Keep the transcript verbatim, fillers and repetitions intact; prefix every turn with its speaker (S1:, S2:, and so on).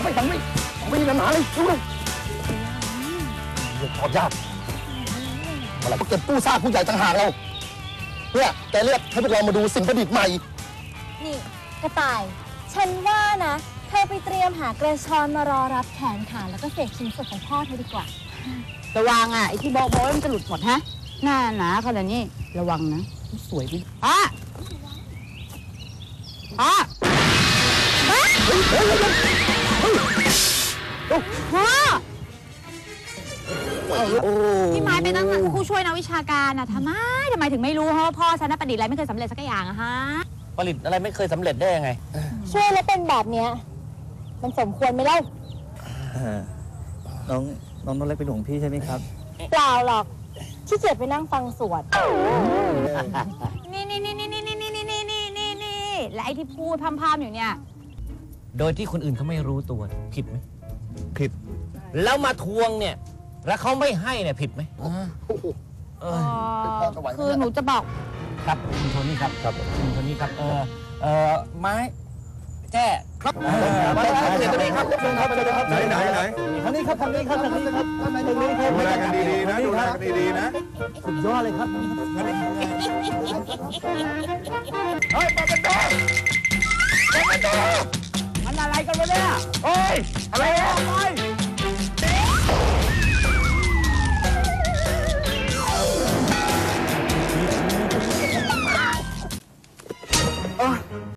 S1: ไม่ฟังไม่ไม่มีปัญหาเลยดูเลยเรื่องขอบยากเมื่อไหร่ก็เก็บกู้ซากผู้ใหญ่ต่างหากเราเนี่ยแกเรียกให้พวกเรามาดูสิ่งประดิษฐ์ใหม่
S2: นี่กระต่ายฉันว่านะเธอไปเตรียมหากระชอนมารอรับแขนขาแล้วก็เศษชิ้นส่วนของพ่อเธอดีกว่า
S3: ระวังอ่ะไอ้ที่บอกบอกมันจะหลุดหมดฮะหน้าหนาขนาดนี้ระวังนะสวยดิพ่อพ่อพ่อพี่ไม้เป็นตั้งผู้ช่วยนักวิชาการนะทำไมทำไมถึงไม่รู้เพราะว่าพ่อฉันประดิษฐ์อะไรไม่เคยสำเร็จสักอย่างอะฮะ
S4: ผลิตอะไรไม่เคยสำเร็จได้ยังไง
S2: ช่วยแล้วเป็นแบบเนี้ยมันสมควรไหมเล่า
S5: น้องน้องน้องเล็กเป็นห่วงพี่ใช่ไหมครับ
S2: เปล่าหรอกขี้เกียจไปนั่งฟังสวด
S3: นี่นี่นี่นี่นี่นี่นี่นี่นี่นี่นี่และไอ้ที่พูดพร่ำๆอยู่เนี่ย
S4: โดยที่คนอื่นเขาไม่รู้ตัวผิดไหม
S5: ผิด
S4: แล้วมาทวงเนี่ยแล้วเขาไม่ให้เนี่ยผิดไหม
S3: คือหนูจะบอก
S4: ครับคุณโทนี่ครับครับคุณโทนี่ครับเออเออไม้แจ้
S1: ครับมาแล้วครับเดี๋ยวนี้ครับเชิญครับเชิญครับ
S5: ไหนไหนไหน
S1: ทางนี้ครับทางนี้ครับทางนี้ครับทางนี้ครับ
S5: ดูแลกันดีๆนะดูแลกันดีๆนะ
S1: สุดยอดเลยครับเฮ้ยมาเป็นตัวมาเป็นตัวมันอะไรกันวะเนี่ยโอ้ยอะไรอ่ะ